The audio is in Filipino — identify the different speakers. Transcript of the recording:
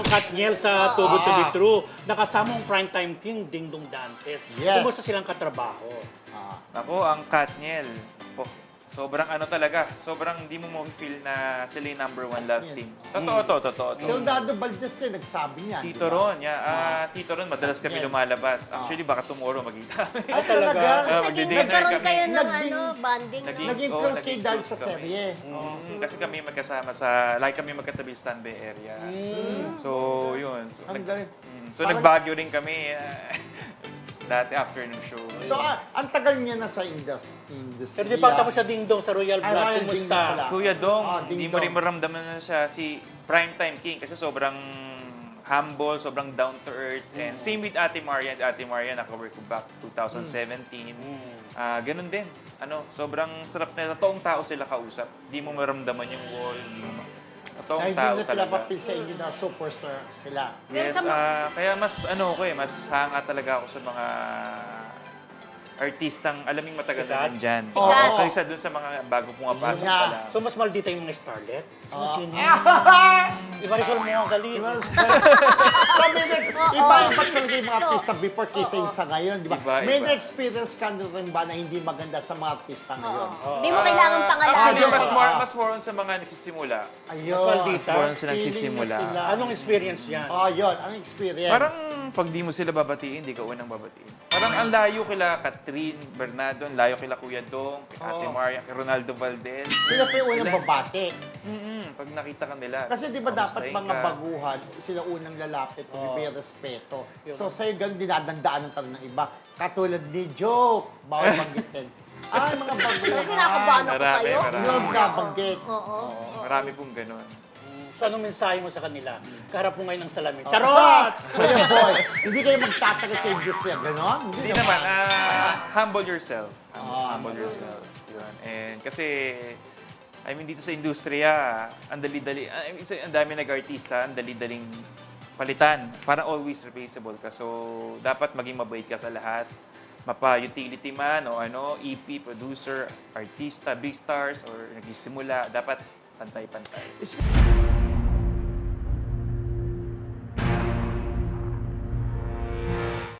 Speaker 1: Katniel sa Too Good to Be True. Nakasama ang primetime king, Dingdong Dantes.
Speaker 2: Yes.
Speaker 1: Kumusta silang katrabaho?
Speaker 3: Ako, ang Katniel, sobrang ano talaga, sobrang hindi mo mo-feel na sila yung #1 love team. Totoo to.
Speaker 2: Si Leonardo Valdez din, nagsabi niya.
Speaker 3: Tito Ron, Tito Ron, madalas kami lumalabas. Actually, baka tomorrow magkita kami.
Speaker 1: Ay, talaga?
Speaker 3: Magdi-dinner
Speaker 4: Nagkaroon
Speaker 3: kami.
Speaker 4: kayo ng
Speaker 2: Naging-
Speaker 4: bonding.
Speaker 2: Naging
Speaker 3: Oo,
Speaker 2: close
Speaker 3: naging
Speaker 2: kayo dahil
Speaker 3: close
Speaker 2: sa
Speaker 3: kami.
Speaker 2: serye.
Speaker 3: Kasi kami magkasama like kami magkatabi sa San Bay area. So, yun. So,
Speaker 2: Ang galing.
Speaker 3: so
Speaker 2: Parang-
Speaker 3: nagbagyo rin kami dati after ng show.
Speaker 2: So, ang tagal niya na sa industry.
Speaker 1: Pero di pa tapos sa Dingdong sa Royal
Speaker 2: Ay,
Speaker 1: Blood.
Speaker 2: Royal
Speaker 1: Kumusta?
Speaker 2: Dingdong pala.
Speaker 3: Kuya Dong,
Speaker 2: Ding
Speaker 3: hindi mo
Speaker 2: Dong.
Speaker 3: rin maramdaman na siya si Primetime King kasi sobrang humble, sobrang down to earth. And same with Ate Marian. Si Ate Marian, naka-work ko back 2017. Ganun din. Sobrang sarap na totoong tao sila kausap. Hindi mo maramdaman yung wall. Hindi mo totoong
Speaker 2: Kaya
Speaker 3: tao
Speaker 2: hindi na
Speaker 3: talaga.
Speaker 2: papil sa inyo na superstar sila.
Speaker 3: Yes, kaya mas mas hanga talaga ako sa mga artistang alaming matagal na
Speaker 1: Sikat?
Speaker 3: nandyan.
Speaker 4: Sikat.
Speaker 3: Kaysa dun sa mga bago pumapasok
Speaker 2: Yun nga.
Speaker 3: pala.
Speaker 1: So, mas maldita yung mga starlet? Sino? Iba rin mo ang galing.
Speaker 2: So, iba-iba talaga yung mga artista before kaysa yung sa ngayon, di ba?
Speaker 3: Iba-iba.
Speaker 2: May na-experience ka na rin ba na hindi maganda sa mga artista ngayon?
Speaker 4: Hindi mo kailangan pangalanan.
Speaker 3: Actually, mas more on sa mga nagsisimula.
Speaker 2: Ayun.
Speaker 1: Mas maldita.
Speaker 3: More on sa
Speaker 2: Feeling
Speaker 3: nagsisimula.
Speaker 2: na sila.
Speaker 1: Anong experience yan?
Speaker 2: Oh, yun. Anong experience?
Speaker 3: Parang pag di mo sila babatiin, di ka unang babatiin. Parang ang layo kila Catherine Bernardo, ang layo kila Kuya Dong, kay Ate Maria, kay Ronaldo Valdez.
Speaker 2: Sila pa yung unang babate.
Speaker 3: Pag nakita ka nila.
Speaker 2: Kasi di ba dapat
Speaker 3: kamustahin
Speaker 2: mga
Speaker 3: ka.
Speaker 2: baguhan, sila unang lalapit, may respeto. So sa'yo ganun dinadandaanan talaga ng iba. Katulad ni Joke, bawal banggitin. Ay, mga baguhan.
Speaker 4: Kinakabahan ako
Speaker 3: Marami,
Speaker 4: sa'yo.
Speaker 3: marami.
Speaker 2: Yun nabanggit.
Speaker 4: Oo.
Speaker 3: Marami pong ganun.
Speaker 1: So, anong mensahe mo sa kanila? Kaharap mo ngayon ng salamin. Charot!
Speaker 2: Kuya Boy, hindi kayo magtatagal sa industriya, gano'n?
Speaker 3: Hindi naman, humble yourself. Humble yourself. Yun. And kasi, I mean, dito sa industriya, ang dali-dali, ang dami nag-artista, ang dali-daling palitan. Parang always replaceable ka. So, dapat maging mabait ka sa lahat. Mapa-utility man o EP, producer, artista, big stars, or nagsisimula, dapat pantay-pantay.